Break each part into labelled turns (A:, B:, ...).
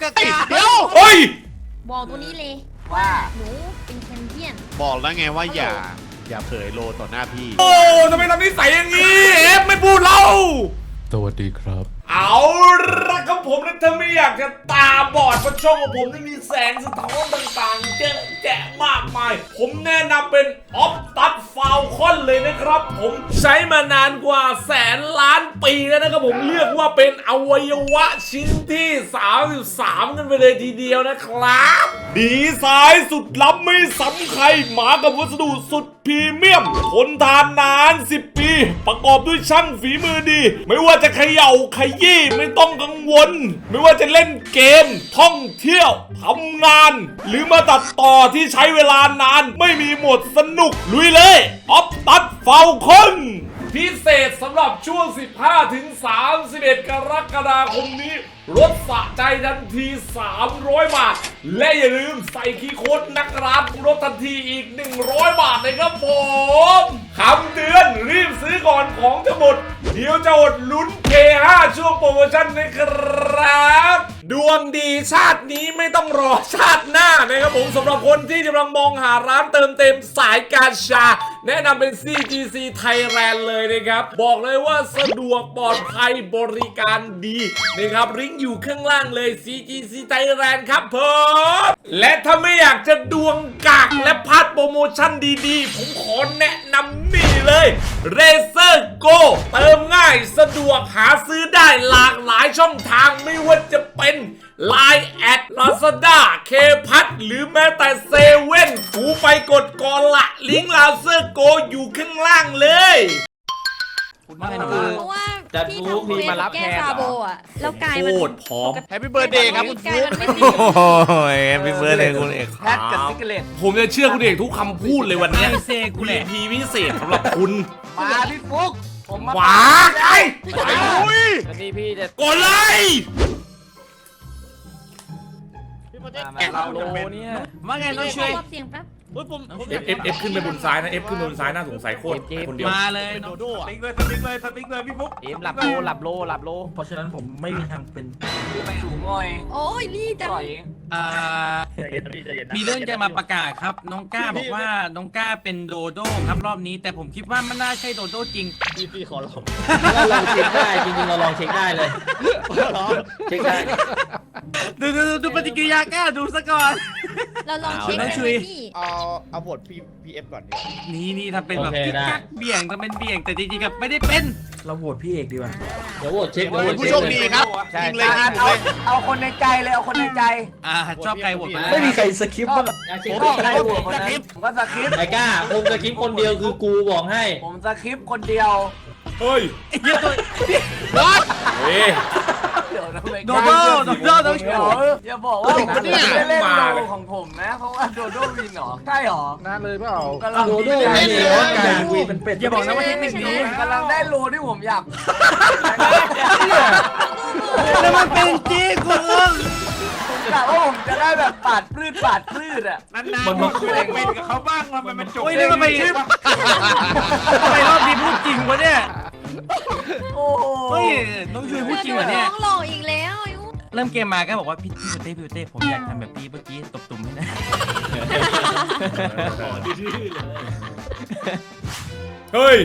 A: กากเดี๋ยวเฮ้ยบอกตัวนี้เลยว่าหนูเป็นแคนเดียน
B: บอกแล้วไงว่าอย่าเผยโลต่อหน้าพี่
C: โอ้ทำไมทำนิสัยอย่างนี้เอฟไม่พูดเล่า
D: สวัสดีครับ
C: เอาละครับผมนะถ้าไม่อยากจะตาบอดเพราะช่องของผมนี่มีแสงสะท้อนต่างๆเยอะแยะมากมายผมแนะนำเป็นออฟตัดฟาวคอนเลยนะครับผมใช้มานานกว่าแสนล้านปีแล้วนะครับผมเรียกว่าเป็นอวัยวะชิ้นที่33กันไปเลยทีเดียวนะครับดีไซน์สุดล้ำไม่ซ้ำใครมากับวัสดุสุดพรีเมียมทนทานนาน10 ปีประกอบด้วยช่างฝีมือดีไม่ว่าจะเขย่าขยี้ไม่ต้องกังวลไม่ว่าจะเล่นเกมท่องเที่ยวทำงานหรือมาตัดต่อที่ใช้เวลานานไม่มีหมดสนุกลุยเลยออฟตัดฟาวคอนพิเศษสำหรับช่วง 15-31 กรกฎาคมนี้ลดสะใจทันที300 บาทและอย่าลืมใส่คีย์โค้ดนักร้านลดทันทีอีก100 บาทเลยครับผมคำเตือนรีบซื้อก่อนของจะหมดเดี๋ยวจะอดลุ้น K5 ช่วงโปรโมชั่นนะครับดวงดีชาตินี้ไม่ต้องรอชาติหน้านะครับผมสำหรับคนที่กำลังมองหาร้านเติมเต็มสายการชาแนะนำเป็น CGC Thailand เลยนะครับบอกเลยว่าสะดวกปลอดภัยบริการดีนะครับลิงก์อยู่ข้างล่างเลย CGC Thailand ครับผมและถ้าไม่อยากจะดวงกากและพลาดโปรโมชั่นดีๆผมขอแนะนำนี่เลย Razer Go เติมง่ายสะดวกหาซื้อได้หลากหลายช่องทางไม่ว่าจะเป็น Line แอด Lazada เคพัทหรือแม้แต่เซเว่นกูไปกดก่อนละลิงก์ Razer Go อยู่ข้างล่างเลย
A: เพราะว่าพี่ทำเควสแก้ซาโบอ่ะแล้วกายมัน
C: โคตรพร้อม
B: แฮปปี้เบิร์ดเดย์ครับคุณฟุ๊ก
D: โอ้ยแฮปปี้เบิร์ดเลยคุณเอก
B: แพทกับซิกเลต
C: ผมจะเชื่อคุณเอกทุกคำพูดเลยวันนี้กูเลยพีพิเศษสำหรับคุณ
B: มาพี่ฟุ๊กผมมา
C: ว้าไอ้
B: นี่พี่จะ
C: กดเลย
B: เราโลเนี่ย
A: ว่าไงน้องช่วยเสียงแป๊บ
C: เอฟขึ้นไปบนซ้ายนะเอฟขึ้นไปบนซ้ายน่าสงสัยโคตรคนเดียว
E: มาเลย
B: โดโด้สติ๊กเลยพี่ฟุ๊ก
E: เอ็มหลับโลเพราะฉะนั้นผมไม่มีทางเป็น
B: ไม่ถูกง่อย
A: โอ้ยรีจัง
E: มีเรื่องจะมาประกาศครับน้องก้าบอกว่าน้องก้าเป็นโดโด้ครับรอบนี้แต่ผมคิดว่ามันน่าใช่โดโด้จริง
B: พี่ขอลอง
E: เราลองเช็คได้จริงๆเราลองเช็คได้เลยเช็คได้ดูปฏิกิริยาก้าดูซะก่อน
A: เราลองเช็คได้พี่
B: เอาบทพีเอฟก่อน
E: นี่ทำเป็นแบบกิ๊กกักเบี่ยงทำเป็นเบี่ยงแต่จริงๆกับไม่ได้เป็น
F: เราโหวตพี่เอกดีกว่า
E: เดี๋ยวโหวตเช็ค
B: ผู้โชคดีครับจริงเลยเอาคนในใจเลยเอาคนในใจ
E: ชอบใครโหวต
F: ไม่มีใครสคริปต์บ้าง
B: ผมใครโหวตคนนั้นผมก็สคริปต์
E: ไอ้ก้าผมสคริปต์คนเดียวคือกูบอกให้
B: ผมสคริปต์คนเดียว
C: เฮ้ย
E: เยอะตัว
C: เฮ้ย
E: โดโด้ต้องเฉย
B: อย่าบอกว่าผมไม่ได้เล่นโลของผมนะเพราะว่าโดโด้วินหรอใช่หรอ
F: นั่นเลยเปล่า
E: โดโด้
F: วินเลยการวีเป็นเป็ด
E: อย่าบอกนะว่าเทคนิคนี้
B: กำลังได้โลที่ผมอยาก
E: แล้วมันเป็นจริงคุณ
B: กะว่าผมจะได้แบบปาดพืชอ่ะ
E: นานๆมันเป็นกับเขาบ้างมันจบเลยทำไมรอบนี้พูดจริงวะเนี่ย
B: โอ้
E: เฮ้ยน้องช่วยพูดจริงเหรอเนี่ย
A: น้องหลอกอีกแล้ว
E: เริ่มเกมมาก็บอกว่าพี่เต้ผมอยากทำแบบพี่เมื่อกี้ตบตุ่มให้นะ
C: เฮ้ย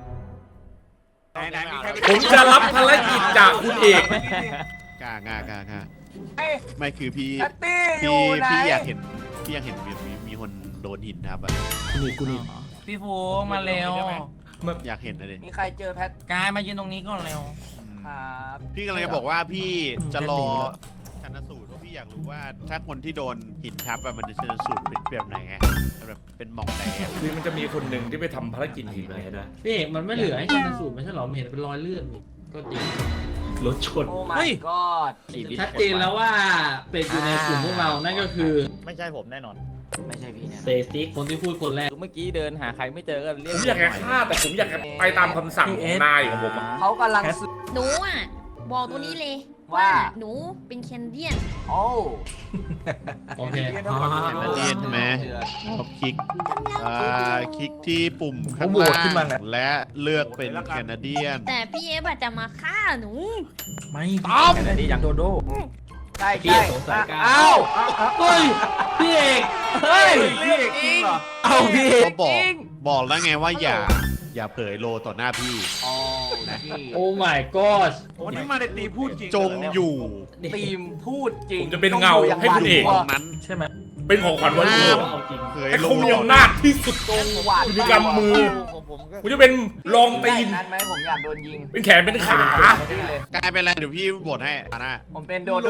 C: ผมจะรับภารกิจจากคุณเอก
B: กล้ไม่คือพี่อยากเห็นมีคนโดนหินครับ
F: กูนี่
E: พี่โฟมาเร็ว
B: อยากเห็นเลย
E: มีใครเจอแพทกายมายืนตรงนี้ก่อนเร็ว
B: ครับพี่กำลังจะบอกว่าพี่จะรอชันสูตรว่าพี่อยากรู้ว่าถ้าคนที่โดนหินทับมันจะชันสูตรเป็นแบบไหนไงแบบเป็นมองแต่
C: คือมันจะมีคนหนึ่งที่ไปทำภารกิจหินอะไรนะ
E: พี่มันไม่เหลือให้ชันสูตรไม่ใช่หรอเห็นเป็นรอยเลือดก็จริง
C: รถชน
E: เฮ้ยชัดเจนแล้วว่าเป็นอยู่ในกลุ่มพวกเรานั่นก็คือ
B: ไม่ใช่ผมแน่นอน
E: ไม่ใช่พี่เซซิกคนที่พูดคนแรกเมื่อกี้เดินหาใครไม่เจอก็เรียก
C: ผมอยากแฆ่าแต่ผมอยากไปตามคำสั่งของนายของผม
B: เขากำลัง
A: หนูอ่ะบอกตัวนี้เลยว่าหนูเป็นแคนเดียน
B: โอ้
E: โอเค
B: แคนเดียนใช่ไหมเขาคลิกที่ปุ่มข้างล่างและเลือกเป็นแคนาเดียน
A: แต่พี่เอฟจะมาฆ่าหนู
F: ไม่แคนาเดียนโดโด้
G: ใช่
E: พี่
G: ใช่
E: สงสัยกล้า
G: อ้าว
E: เฮ้ยพี่เอก
G: เฮ้ย
F: พี่เอกจริงเหรอ
G: เอาพี่เอก
B: ก็บอกแล้วไงว่าอย่าเผยโลต่อหน้าพี่
G: อ๋อ
E: โอ้ my god
F: วันนี้มาในตีพูดจริง
B: จงอยู่
G: ทีมพูดจริง
C: ผมจะเป็นเงาให้คุณเอก
B: ตรงนั้น
F: ใช่ไหม
C: เป็นของขวัญวันเกิด
E: เอาจริง
B: เผย
C: ไอ้
B: โล
C: คงมีอำนาจที่สุด
G: ตรงหวาน
C: คุณมีกำมือ
G: ของผมก็
C: กูจะเป็นรอง
G: ได้
C: ตีน
G: นั้นไหมผมอยากโดนยิง
C: เป็นแขนเป็นขา
G: นี่เลย
B: กลายเป็นอะไรเดี๋ยวพี่บทให้อาน่า
G: ผมเป็นโดโด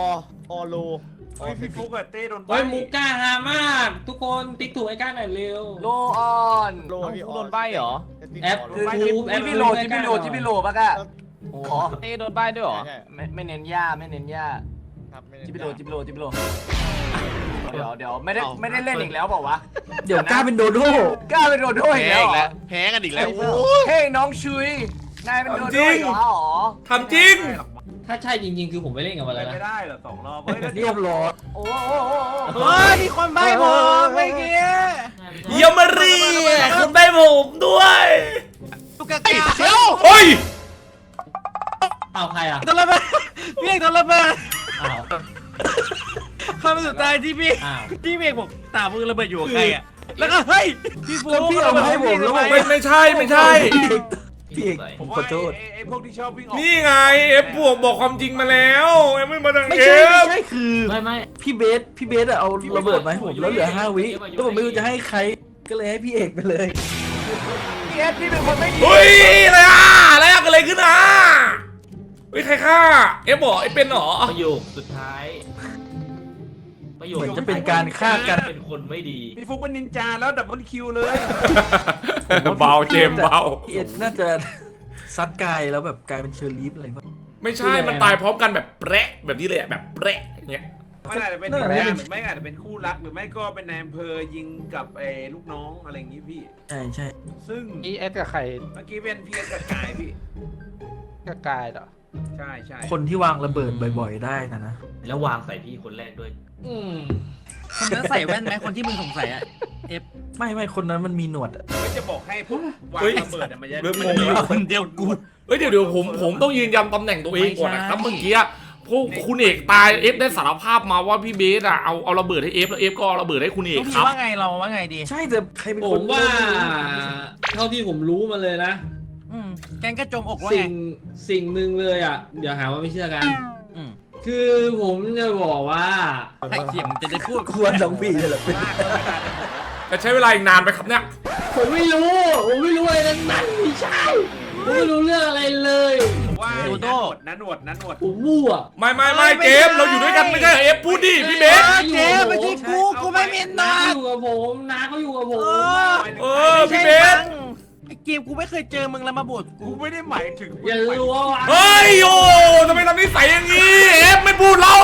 F: พี่ฟุกกับเต้โดน
E: เฮ้ยมุกกล้าหามาก ทุกคนติ๊กถูกไอ้กล้าหน่อยเร็ว
G: โลออนโลโดนใบเหรอ
E: แอป
G: คือ
E: ทูบแอป
G: ที่พี่โลปะกะอ๋อ
H: เต้โดนใบ้ด้วยเหรอ
G: ไม่เน้นย่าไม่เน้นย่าจิบิโลเดี๋ยวไม่ได้เล่นอีกแล้วเปล่าวะ
F: เดี๋ยวกล้าเป็นโดโด้
G: กล้าเป็นโดโดอีก
B: แพ้
G: แล้ว
B: อีก
G: เหร
B: แล้
G: อ
B: วแพ้กันอีกแล้ว
G: เฮ้ยน้องชุยนายเป็นโดโดอีกเหรอ
C: ทำจริง
E: ถ้าใช่จริงๆ คือผมไม่เล่นกับมันแล้วนะ
F: ไม่ได้เหรอ2 รอบเรียบร้อย
G: โอ้
H: เฮ้ยมีคนใบ้ผมเมื่อกี้
C: เยี่ยมรีคุณได้ผมด้วย
H: ตุ๊กตา
C: เฮ้ย
E: เอาใครอ่ะ
H: โดนระเบิดพี่เอกโดนระเบิด
E: อ้าว
H: คำสุดท้ายที่พี่
E: อ้าว
H: ที่พี่เอกบอกตามือระเบิดอยู่กับใครอ่ะแล้วก็เฮ้ยพี่ฟู
F: พี่เอามาให้ผมแล้วบอก
C: ไม่ใช่ไม่ใช่
F: พี่เอกผมขอโทษ
I: ไอ้พวกที่ชอบวิ่งออก
C: นี่ไงเอฟบวกบอกความจริงมาแล้วเอฟไม่มาดัง
F: ไม่
C: เอ
F: ใช่ไม่
C: ฟ
F: ใช่คือ
E: ไม่
F: พี่เบสอะเอาระเบิดมาให้ผมแล้วเหลือ5 วิแล้วผมไม่รู้จะให้ใครก็เลยให้พี่เอกไปเลย
G: พี่เอสพี่เป็นคนไม่ดี
C: เฮ้ยอะไรอ่ะอะไรอะเกิดอะไรขึ้นอ่ะเฮ้ยใครฆ่าเอฟบอกไอ้เป็นเหรอ
E: ประโยคสุดท้ายประโยค
F: เหมือนจะเป็นการฆ่ากัน
E: เป็นคนไม่ดี
I: พี่ฟุกเป็นนินจาแล้วดับเบิลคิวเลย
C: เบาเจมส์เบา
F: พี่เอกน่าจะซัดกายแล้วแบบกลายเป็นเชอร์ลีฟอะไรวะ
C: ไม่ใช่มันตายพร้อมกันแบบแปะแบบนี้เลยอะแบบแปะอย่างเงี้ย
I: ไม่อาจจะเป็นนินจาหรือไม่อาจจะเป็นคู่รักหรือไม่ก็เป็นนายอำเภอยิงกับไอ้ลูกน้องอะไรอย่างงี้พี่
F: ใช่
I: ซึ่ง
H: อีเอสกับใคร
I: เมื่อกี้เป็นพี่เอสกับกายพี่
H: กับกายเหรอ
I: ใช่ใช่
F: คนที่วางระเบิดบ่อยๆได้นะ
E: แล้ววางใส่พี่คนแรกด้วย
H: คนนั้นใส่แว่นไหมคนที่มึงสงสัยอะ
F: ไม่คนนั้นมันมีหนวดอะ
I: ไม่จะบอกให้พวกวางระเบิดอะมันจะ
C: เริ่ม
I: มัน
C: งง
I: จะ
C: แล้ว
H: คนเดียวกู
C: เฮ้ยเดี๋ยวผมต้องยืนยันตำแหน่งตัวเองก่อนนะครับ
H: ไม่ใช่
C: เมื่อกี้พวกคุณเอกตายเอฟได้สารภาพมาว่าพี่เบสอะเอาระเบิดให้เอฟแล้วเอฟก็เอาระเบิดให้คุณเอก
H: ต้อง
C: ค
H: มี
C: รับ
H: ว่าไงเราว่าไงดี
F: ใช่แต่ใครเป็น
E: ผ
F: คน
E: มว่า เท่าที่ผมรู้มาเลยนะ
H: แกงกระจมอกว่าไง
E: สิ่งหนึ่งเลยอ่ะ เดี๋ยวหาว่าไม่เชื่อกัน
H: อืม
E: คือผมจะบอกว่า
H: ให้เสียงจะได้พูด
F: ควรน้องพี่เลยเหรอ
C: แต่ใช้เวลาอีกนานไหมครับเนี่ย
E: ผมไม่รู้อะไรนั้นไม่ใช่ ผมไม่รู้เรื่องอะไรเลย
I: ผมว่า
H: โดโด
I: นันหนวด
E: ผมมั่ว
C: ไม่เจมส์เราอยู่ด้วยกันไม่ใช่เหรอเอฟพูดดิพี่เบส
H: เจ๊ไม่ใช่กูไม่มีน
E: น้า
H: อน
E: อยู่กับผมน้าเขาอยู่กับผม
C: เออพี่เบส
H: ไอ้เกมกูไม่เคยเจอมึงแล้วมาบวชกู
I: กูไม่ได้หมายถึง
E: อย่ารู้ว่า
C: เฮ้ยโอ้ทำไมทำนิสัยอย่างนี้เอฟไม่พูดเรา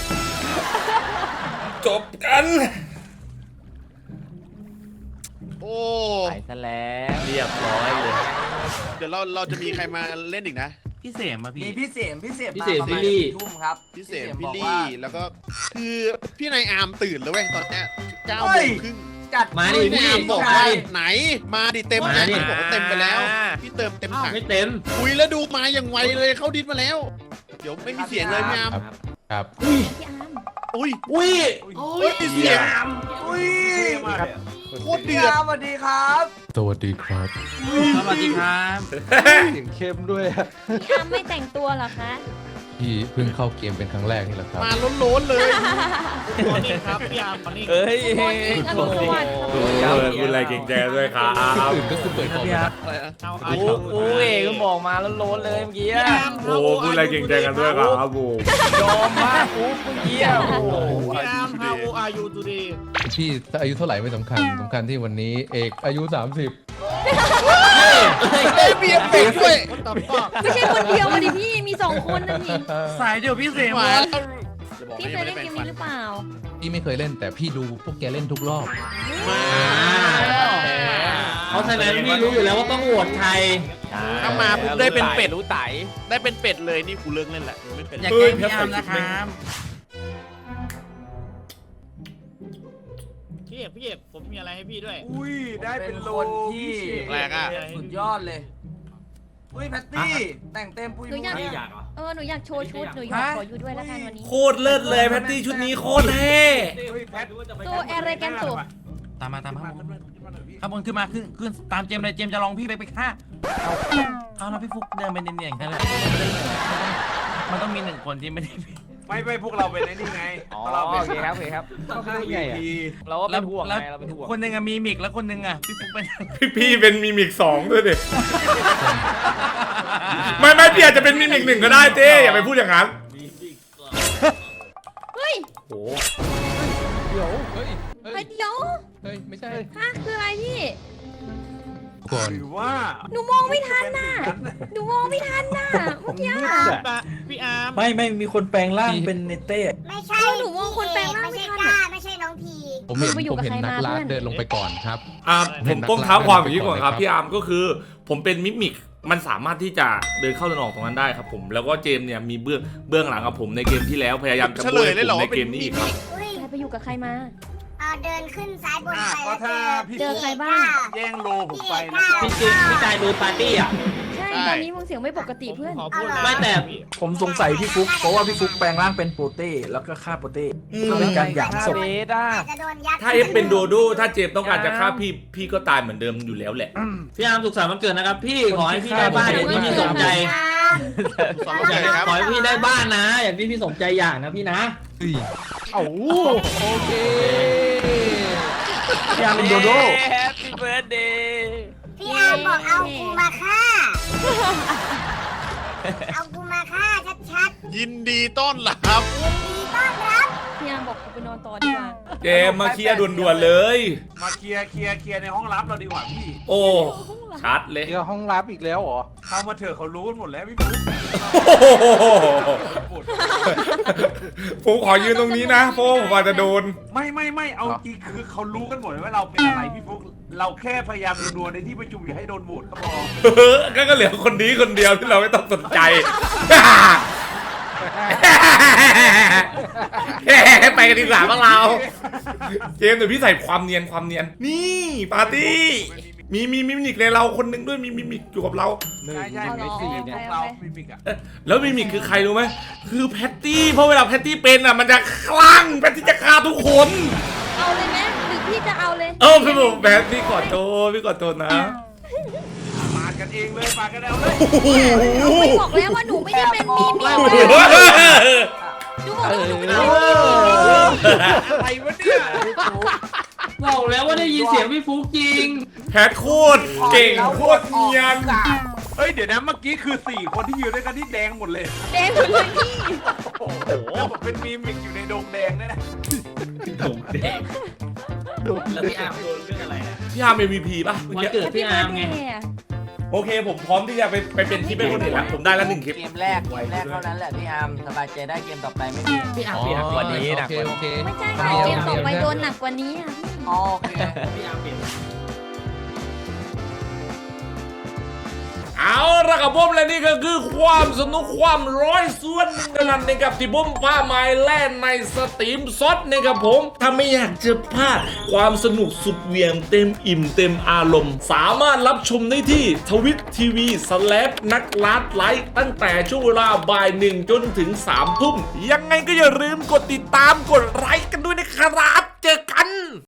C: จบกัน
B: โอ้
H: ไปซะแล้ว
C: เรียบร้อยเลย
B: เดี๋ยวเราจะมีใครมาเล่นอีกนะ
H: พี่เสมอะพี่
G: มีพี่เสียมมาประ
E: พี่
G: มาณ
E: ลี่
G: ทุ่มครับ
B: พี่เสม
G: บ
B: พี่
G: อก
B: ลี่
G: ว่า
B: แล้วก็คือพี่นายอาร์มตื่นแล้วเว้ยตอนเนี้ย9
G: เฮ้
B: โม
G: ย
B: งครึ่ง
G: จัด
E: มาดิ
B: พี่นาย
E: พี่
B: อาร์มบอก
G: ใช่
B: ว่าไหนมาดิเต็ม
E: มา
B: นะ
E: ดิ
B: พี่บอกว่าเต็มไปแล้ว พี่เติมเต็มถัง
E: ไม่เต็ม
B: คุยแล้วดูมาอย่างไวเลยเข้าดิสมาแล้ว เดี๋ยวไม่มีเสียงเลยพี่อาร์ม
D: ครับ
A: พี่อาร์ม
B: อุ้ย
E: อุ้ย
B: เฮ้ยมีเสียง
G: อุ้ย
I: มากเลยอะ
B: โคตร
G: พี่
B: เดือด
G: อาร์มสวัสดีครับ
D: สวัสดีครับ
H: สวัสดีครับ
A: พี่อาร์มไม่แต่งตัวเหรอคะ
D: พี่เพิ่งเข้าเกมเป็นครั้งแรกนี่แหละครับ
B: มาล้นๆเลย
H: เอ้ย
A: ตำรวจ
C: คุณอะไรเก่งใจด้วยครับ
D: อื่นก็คือเปิดคอม
F: พี่อาร์ต
B: อะไรนะ
H: กูเอกก็บอกมาแล้วโล้นเลยเมื่อกี้อะ
C: โอ้คุณอะไรเก่งใจกันด้วยครับผม
H: ยอมมากกูเมื่อกี้อะโอ้โห
D: พี่ถ้าอายุเท่าไหร่ไม่สำคัญสำคัญที่วันนี้เอกอายุ 30
B: เบียร์เป็ดด้วย
A: ไม่ใช่คนเดียวมาดิพี่มี2 คนนั่นนี่
H: สายเดียวพี่เสม
B: มา
H: อะ
B: แล้วจะบอก
A: พี่
B: ให้
A: เค
B: ไม่
A: ย
B: ได้
A: เล่น
B: แปล
A: เก
B: ง
A: ม
B: ฟัน
A: นี้หรือเปล่า
D: พี่ไม่เคยเล่นแต่พี่ดูพวกแกเล่นทุกรอบ
B: มา
E: เพราะฉะนั้นพี่รู้อยู่แล้วว่าต้องโหวตใคร
B: ถ้ามาปุ๊บได้เป็นเป็ด
H: รู้ไต
B: ได้เป็นเป็ดเลยนี่กูเลิกเล่นแหละไม่เป็น
H: อย่าแกล้งพี่อาร์มนะครับ
J: พี่เอกผมมีอะไรให้พี่ด้วย
I: อุ้ยได้เป็นโล
G: คนที่
B: แรกอะ
G: สุดยอดเลยอุ้ยแพตตี้แต่งเต็มปุย
A: หนู
G: มุ้ย
A: อยาก
E: ไม่อยากเหรอ
A: หนูอยากโชว์ชุดหนูอยากขออยู่ด้วยแล้วกันวันนี้
C: โคตรเลิศเลยแพตตี้ชุดนี้โคตรเท่
A: ตัวเอเรแกนตุ
H: ตามมาข้างบนขึ้นมาขึ้นตามเจมเลยเจมจะลองพี่ไปฆ่าเอาแล้วพี่ฟุกเดินไปเนียนๆกันเลยมันต้องมีหนึ่งคนที่ไม่ได้
I: ไม่พวกเราเป็นไอ้นี่ไง
G: อ๋อ
I: เรา
G: โอ
I: เป็น
G: เคครับโอเคครับ
I: ต้องฆ่า EMP
G: เราก็เป็นห่วงไงเราเป็นห่วง
H: คนหนึ่งมีมิกแล้วคนหนึ่งพี่ฟุกเป็น
C: พี่เป็นมิมิก2ด้วยดิไม่พี่อาจจะเป็นมิมิก1ก็ได้เต้อย่าไปพูดอย่างนั้น
A: เฮ้ย
C: โอ้
D: เฮ้ย
A: เฮ้ยเดี๋ยว
D: เฮ้ย ไม่ใช่
A: ฮะคืออะไรพี่
D: ก่อน
I: หรือว่า
A: หนูมองไม่ทันน่ะหนูมองไม่ทันน่ะเมื่อกี้
H: พี่อาร์ม
F: ไม่มีคนแปลงร่างเป็นเนเต้
J: ไม่ใช่
A: หนูมองคนแปลงร่าง
J: ไม่
A: ไม่
J: ใช่
A: ทัน
J: ก้า
A: อะ
J: ไม่ใช่น้องพี
D: ผมเห็น
A: ไปอยู่กับใคร
D: นัก
A: มา
D: ล่า
A: เพื่อน
D: เดินลงไปก่อนครับ
C: ผมต้องเท้าความอย่างนี้ก่อนครับพี่อาร์มก็คือ ผมเป็นมิมิกมันสามารถที่จะเดินเข้าเดินออกตรงนั้นได้ครับผมแล้วก็เจมเนี่ยมีเบื้องหลังกับผมในเกมที่แล้วพยายามจะ
B: เฉล
C: โบ
B: ย
C: ย
B: เลยเหรอ
C: ผมใน
B: ว่าเป็
C: เก
B: น
C: มนี้
B: มิ
C: อีก
B: มิ
C: ครับ
J: อุ้ย
A: ใครไปอยู่กับใครมา
J: เดินขึ้นซ้ายบนไป
I: ก็
J: แล้ว
I: ถ้าพี่
A: เจอใครบ้าง
I: แย่งโลผมไปนะ
E: พี่กายดูปาร์ตี้อ่ะ
A: ใช่ตอนนี้มึงเสียงไม่ปกติเพื่อน
E: ไม่แต่
F: ผมสงสัยพี่ฟุกเพราะว่าพี่ฟุกแปลงร่างเป็นโปเต้แล้วก็ฆ่าโปเต้ก็เป็นการหยามศพ
G: เบสอ่ะ
J: อาจจะโดนยัด
C: ถ้าเอฟเป็นโดโดถ้าเจมต้องการจะฆ่าพี่ก็ตายเหมือนเดิมอยู่แล้วแหละ
E: พี่อาร์มสุขสันต์วันเกิดนะครับพี่ขอให้พี่ได้บ้านอย่างที่พี่สมใจ
B: สอนใจครับ
E: ขอให้พี่ได้บ้านนะ อย่างที่พี่สมใจอย่างนะพี่นะ
D: โอ้โอเค
F: พี่อาร์มเป็นโดโด
G: แฮปปี้เบิร์ดเดย์
J: พี่อาร์มบอกเอากูมาฆ่า เอากูมาฆ่าชัด
B: ยินดีต้อนรับ
J: ๆยินดีต้อนรับ
A: พี่ยามบอกกูไปนอนต่อดีกว่า
C: เจมมาเคลียร์ด่วนๆเลย
I: มาเคลียร์ในห้องลับเราดีกว่าพี่
C: โอ้ชัดเลย
D: เดี๋ยวห้องรับอีกแล้วเหรอ
I: เข้ามาเถอะเขารู้กันหมดแล้วพี่ปุ๊ก
C: ผมขอยืนตรงนี้นะเพราะว่าผมอาจจะโดน
I: ไม่เอาจริงคือเขารู้กันหมดว่าเราเป็นอะไรพี่ปุ๊กเราแค่พยายามดูในที่ประชุมอย่าให้โดนโหวตก็พอ
C: ก็เหลือคนนี้คนเดียวที่เราไม่ต้องสนใจ ไปกันดีกว่าพวกเรา เจมส์เดี๋ยวพี่ใส่ความเนียนนี่ปาร์ตี้มีมิมิกในเราคนหนึงด้วยมีมิมิกอยู่กับเรา
I: ใช่ไม่สี่เนี่ยเราไม่มีอ่ะ
C: แล้วมิมิกคือใครรู้ไหมคือแพตตี้เพราะเวลาแพตตี้เป็นอ่ะมันจะคลั่งแพตตี้จะฆ่าทุกคน
A: เอาเลยไหมหรือพี่จะเอาเลย
C: พี่บอกแพตตี้ขอโทษนะ
I: ปาดกันเองเลยปาดกันเอาเลย
A: ไม่บอกแล้วว่าหนูไม่ได้เป็นมีมีหนูบอกแล้วว่าหนูไม่ได้เป็นมีมี
I: อะไรวะเนี่ย
E: บอกแล้วว่าได้ยินเสียงพี่ฟุกจริง
C: แพทโคตรเก่งโคตรเนียน
I: เฮ้ยเดี๋ยวนะเมื่อกี้คือ4คนที่ยืนด้วยกันที่แดงหมดเลย
A: แดงหมดเลยพี่
I: โอ้โหเป็นมีมิกอยู่ในโดงแดงเนี่ยนะ
E: ผมแดงแล้วพี่อาร์มโดนเรื่องอะไรอ่ะ
C: พี่อาร์ม MVP ป่ะ
E: วันเกิดพี่อาร์มไง
C: โอเคผมพร้อมที่จะไปเป็นที่เป็นคนอื่นแล้วผมได้แล้ว1 คลิป
G: เกมแรกเท่านั้นแหละพี่อาร์มสบายใจได้เกมต่อไปไม่มี
E: พี่อาร์ม
D: อ๋อ
E: เปลี่ยน
F: กว่านี้หนักกว่านี้
D: โอเค
A: ไม่ใช่ค่ะเกมต่อไปโดนหนักกว่านี้อ่ะพี่
G: โอเค
E: พี่อาร์มเปลี่ยน
C: เอาละครับผมและนี่ก็คือความสนุกความร้อยส่วนหนึ่งเท่านั้นนะครับที่ผมพาไม้แล่นในสตรีมซดนะครับผมถ้าไม่อยากจะพลาดความสนุกสุดเหวี่ยงเต็มอิ่มเต็มอารมณ์ สามารถรับชมได้ที่ทวิตทีวีนักลัดไลฟ์ตั้งแต่ช่วงเวลาบ่าย 1 จนถึง 3 ทุ่มยังไงก็อย่าลืมกดติดตามกดไลค์กันด้วยนะครับเจอกัน